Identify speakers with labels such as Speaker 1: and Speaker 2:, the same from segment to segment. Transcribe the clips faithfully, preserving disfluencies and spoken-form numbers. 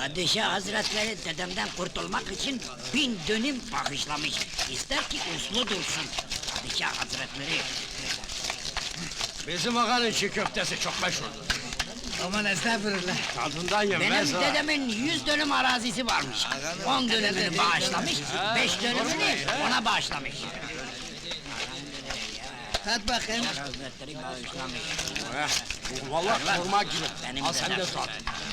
Speaker 1: Padişah Hazretleri dedemden kurtulmak için bin dönüm bağışlamış. İster ki uslu dursun. Padişah Hazretleri.
Speaker 2: Bizim ağanın çiğ köftesi çok meşhurdur.
Speaker 3: Aman estağfurullah.
Speaker 2: Tadından yenmez
Speaker 1: Benim
Speaker 2: ha.
Speaker 1: dedemin yüz dönüm arazisi varmış. On dönümünü bağışlamış, beş dönümünü ona bağışlamış.
Speaker 3: Tat bakayım.
Speaker 1: Hazretleri bağışlamış.
Speaker 2: Eh, vallahi kurma gibi.
Speaker 1: Benim
Speaker 2: Al sen de
Speaker 1: dedem.
Speaker 2: tat.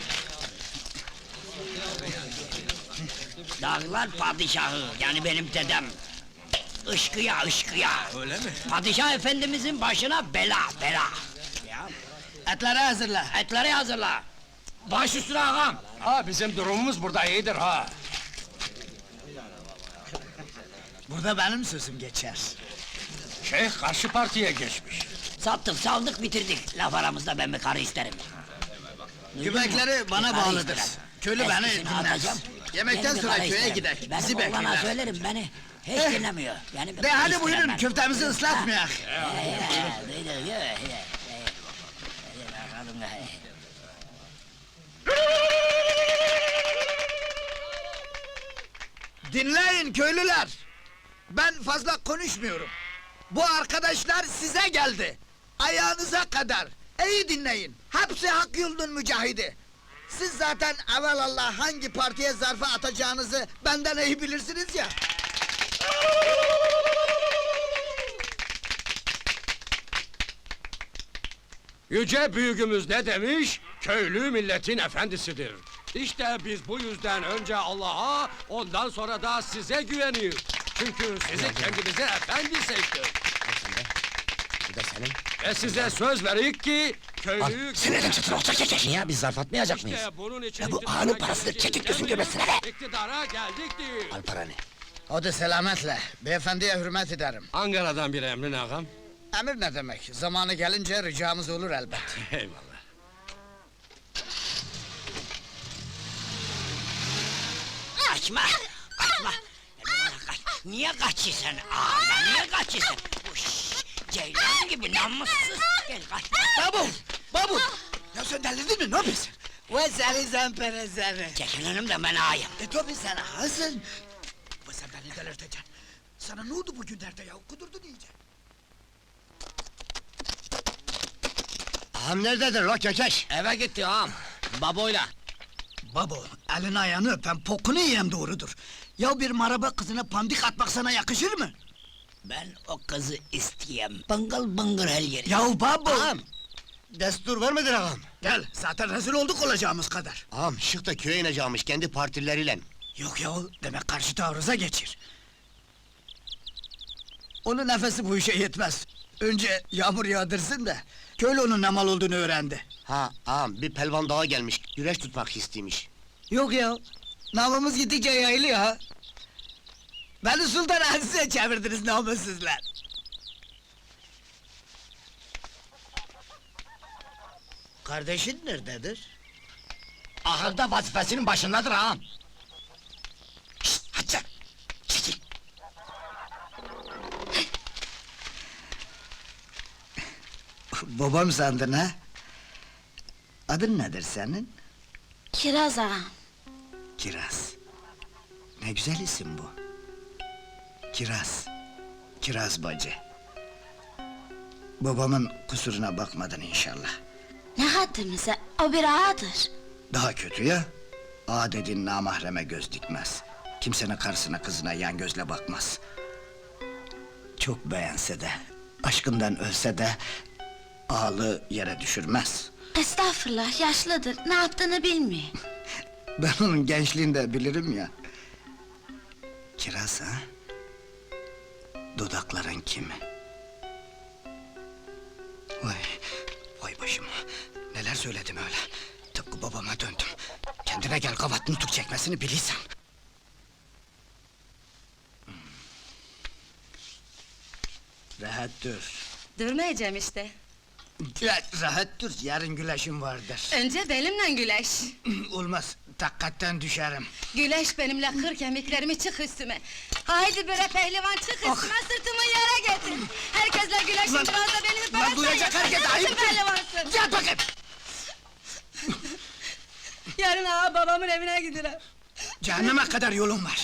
Speaker 1: Dağlar padişahı, yani benim dedem. Işkıya, ışkıya.
Speaker 2: Öyle mi?
Speaker 1: Padişah efendimizin başına bela, bela. Ya,
Speaker 3: Etleri hazırla.
Speaker 1: etleri hazırla. Baş üstüne ağam.
Speaker 2: Ha bizim durumumuz burada iyidir ha.
Speaker 3: Burada benim sözüm geçer.
Speaker 2: Şeyh karşı partiye geçmiş.
Speaker 1: Sattık, saldık, bitirdik. Laf aramızda ben bir karı isterim. Duydun mu?
Speaker 3: Göbekleri bana
Speaker 1: Bir karı
Speaker 3: bağlıdır.
Speaker 1: isterim.
Speaker 3: Köylü beni
Speaker 1: Eskisini
Speaker 3: dinler.
Speaker 1: atacağım,
Speaker 3: Yemekten
Speaker 1: yeni bir
Speaker 3: sonra
Speaker 1: karı
Speaker 3: köye
Speaker 1: isterim.
Speaker 3: gider,
Speaker 1: Benim
Speaker 3: bizi
Speaker 1: oğlana
Speaker 3: bekler.
Speaker 1: söylerim, beni hiç
Speaker 3: Eh.
Speaker 1: dinlemiyor. Yani bir
Speaker 3: De
Speaker 1: karı
Speaker 3: hadi
Speaker 1: isterim
Speaker 3: buyurun
Speaker 1: ben.
Speaker 3: köftemizi ıslatmayak. Dinleyin köylüler. Ben fazla konuşmuyorum. Bu arkadaşlar size geldi. Ayağınıza kadar. İyi dinleyin. Hepsi hak yolunun mücahidi. Siz zaten evelallah hangi partiye zarfı atacağınızı benden iyi bilirsiniz ya.
Speaker 2: Yüce büyüğümüz ne demiş? Köylü milletin efendisidir. İşte biz bu yüzden önce Allah'a, ondan sonra da size güveniyoruz. Çünkü sizi kendinize efendi seçtik.
Speaker 4: Bu da senin.
Speaker 2: Ve size söz verik ki köylü...
Speaker 4: Seneden çıtır olacak çekek. Niye biz zarf atmayacak mıyız?
Speaker 2: İşte bunun için
Speaker 4: Ya bu
Speaker 2: iktidara
Speaker 4: ağanın parasıdır,
Speaker 2: geleceğiz
Speaker 4: çekik gözün
Speaker 2: demeyiz.
Speaker 4: göbesine be!
Speaker 2: İktidara geldik değil.
Speaker 4: Al paranı.
Speaker 3: Hadi selametle. Beyefendiye hürmet ederim.
Speaker 2: Ankara'dan bir emrin ağam.
Speaker 3: Emir ne demek? Zamanı gelince ricamız olur elbet.
Speaker 2: Eyvallah.
Speaker 1: Kaçma! Kaçma! Kaç. Niye kaçıyorsun ağamdan, niye kaçıyorsun? Uş, ceylan gibi namussuz! Gel kaçma!
Speaker 3: Babu! Babu! Ya sen delirdin mi? Ne yapıyorsun? Ve seni zempere seni.
Speaker 1: Çekil önümden, ben ağayım!
Speaker 3: E tabi sen hazın. Ve sen beni delirteceksin. Sana ne oldu bugünlerde ya? Kudurdun iyice.
Speaker 4: Ağam nerededir la kekeş?
Speaker 1: Eve gitti ağam, baboyla!
Speaker 3: Babo, elini ayağını öpen pokunu yiyen doğrudur. Ya bir maraba kızına pandik atmak sana yakışır mı?
Speaker 1: Ben o kızı isteyem, bıngıl bıngır her yeri!
Speaker 3: Ya babo!
Speaker 4: Ağam! Destur var mıdır ağam?
Speaker 3: Gel, zaten rezil olduk olacağımız kadar.
Speaker 4: Ağam şık da köye ineceğimiş kendi partileriyle.
Speaker 3: Yok ya, demek karşı taarruza geçir. Onun nefesi bu işe yetmez. Önce yağmur yağdırsın da, köylü onun ne mal olduğunu öğrendi.
Speaker 4: Ha ağam bir pelvan dağa gelmiş, güreş tutmak istiymiş.
Speaker 3: Yok ya, namımız gittikçe yayılıyor ha. Beni Sultan Aziz'e çevirdiniz namussuzlar. Kardeşin nerededir?
Speaker 4: Ahırda vazifesinin başındadır ağam. Şşt hadi sen! Çekil!
Speaker 3: Babam sandın ha? Adın nedir senin?
Speaker 5: Kiraz ağam.
Speaker 3: Kiraz. Ne güzel isim bu. Kiraz. Kiraz bacı. Babamın kusuruna bakmadın inşallah.
Speaker 5: Ne haddimize, o bir ağadır.
Speaker 3: Daha kötü ya. Ağa dediğin namahreme göz dikmez. Kimsenin karısına kızına yan gözle bakmaz. Çok beğense de, aşkından ölse de... ...ağalığı yere düşürmez.
Speaker 5: Estağfurullah, yaşlıdır, ne yaptığını bilmiyor.
Speaker 3: Ben onun gençliğini de bilirim ya. Kiraz ha? Dudakların kimi? Vay, vay başım! Neler söyledim öyle! Tıpkı babama döndüm. Kendine gel, kavat nutuk çekmesini bilirsen. Hmm. Rahat dur.
Speaker 6: Durmayacağım işte.
Speaker 3: Ya, rahat dur, yarın güleşim vardır.
Speaker 6: Önce benimle güleş.
Speaker 3: Olmaz, takkatten düşerim.
Speaker 6: Güleş benimle, kır kemiklerimi, çık üstüme. Haydi bre pehlivan, çık
Speaker 3: Ah!
Speaker 6: üstüme, sırtımı yere getir. Herkesle güleşin,
Speaker 3: Ulan-
Speaker 6: biraz da benimle
Speaker 3: Ulan duyacak herkes, ayıp!
Speaker 6: pehlivansın.
Speaker 3: Gel bakayım!
Speaker 6: Ya Yarın ağa babamın evine gidelim.
Speaker 3: Cehenneme kadar yolun var.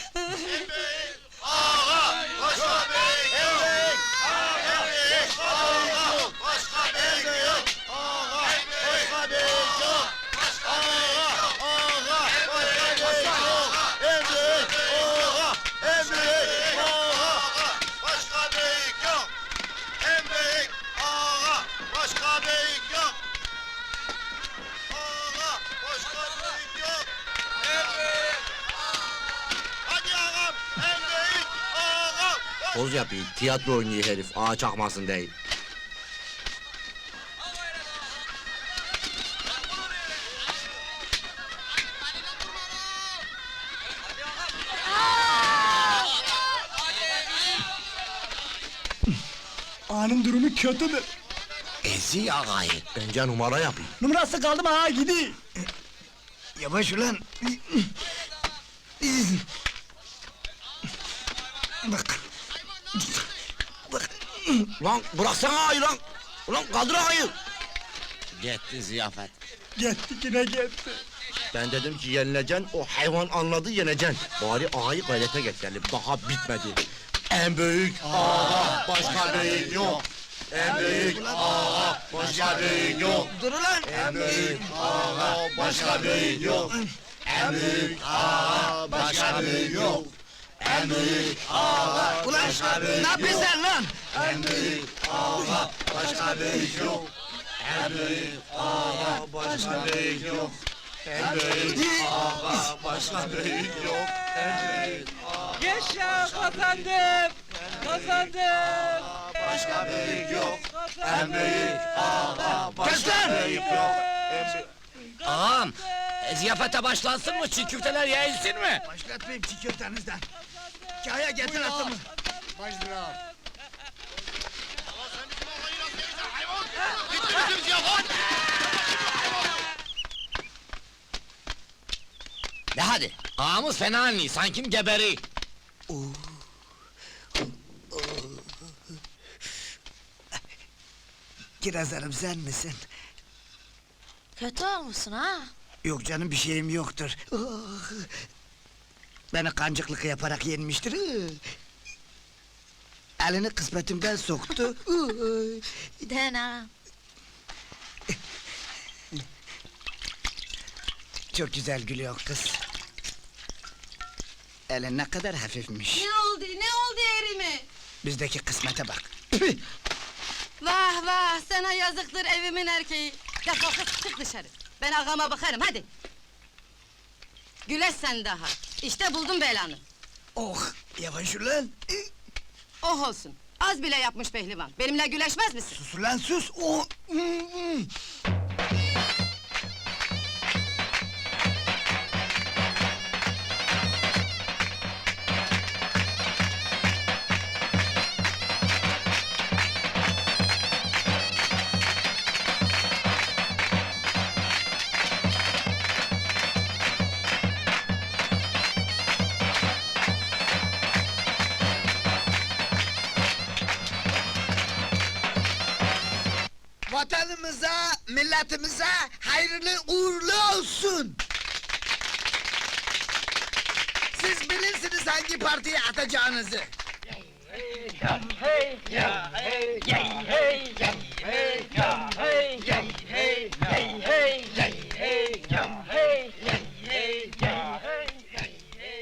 Speaker 7: Başka büyük yok. En büyük ağa. Başka büyük yok. Ağa. Başka büyük yok. En büyük ağa. Hadi ağam. En büyük ağa.
Speaker 8: Poz yapıyor, tiyatro oynuyor herif, ağa çakmasın değil.
Speaker 3: Ağanın durumu kötüdür.
Speaker 8: Ezi ağayı. Bence numara yapıyor.
Speaker 3: Numarası kaldı mı ağa gidi. Yavaş ulan. Bak. Bak.
Speaker 8: Lan bıraksana ağayı lan! Ulan kaldır ağayı! Gitti ziyafet.
Speaker 3: Gitti yine gitti.
Speaker 8: Ben dedim ki yenileceksin, o hayvan anladı yeneceksin. Bari ağayı gayrete getirelim, daha bitmedi. En büyük ağa, başka büyük yok. En büyük ağa, başka büyük yok.
Speaker 3: Dur ulan.
Speaker 8: En büyük ağa, başka büyük yok. En büyük ağa, başka büyük yok. En büyük ağa,
Speaker 3: Ulan ne yapıyorsun sen lan?
Speaker 8: en büyük ağa, başka büyük yok. En büyük ağa, başka büyük yok. En büyük ağa, başka büyük yok. En büyük
Speaker 9: Yaşa kazandım! Kazandım!
Speaker 8: başka büyük yok. En büyük ağa, başka büyük yok. En büyük...
Speaker 1: Ağam, e, ziyafete başlansın mı? Çiğ köfteler yayılsın mı?
Speaker 3: Başlatmayayım çiğ köftenizden. Kaya getir atımı.
Speaker 7: Bitti bizim ziyafet.
Speaker 1: De hadi, ağamız fena anlıyor, sanki geberi.
Speaker 3: Kiraz Hanım sen misin?
Speaker 5: Kötü olmuşsun ha?
Speaker 3: Yok canım bir şeyim yoktur. Ah! Beni kancıklık yaparak yenmiştir. Ah! Elini kısmetimden soktu. Ah!
Speaker 5: Dena.
Speaker 3: Çok güzel gülüyor kız. Elin ne kadar hafifmiş.
Speaker 6: Ne oldu, ne oldu erime?
Speaker 3: Bizdeki kısmete bak.
Speaker 6: Vah vah, sana yazıktır evimin erkeği. Defol kız, çık dışarı. Ben ağama bakarım, hadi. Güleş sen daha. İşte buldum belanı.
Speaker 3: Oh, yavaş ulan.
Speaker 6: Oh olsun. Az bile yapmış pehlivan. Benimle güleşmez misin?
Speaker 3: Sus ulan sus. Oh. Vatanımıza, milletimize hayırlı uğurlu olsun. Siz bilirsiniz hangi partiye atacağınızı.
Speaker 9: Hey, hey, hey, hey, hey, hey, hey, hey, hey,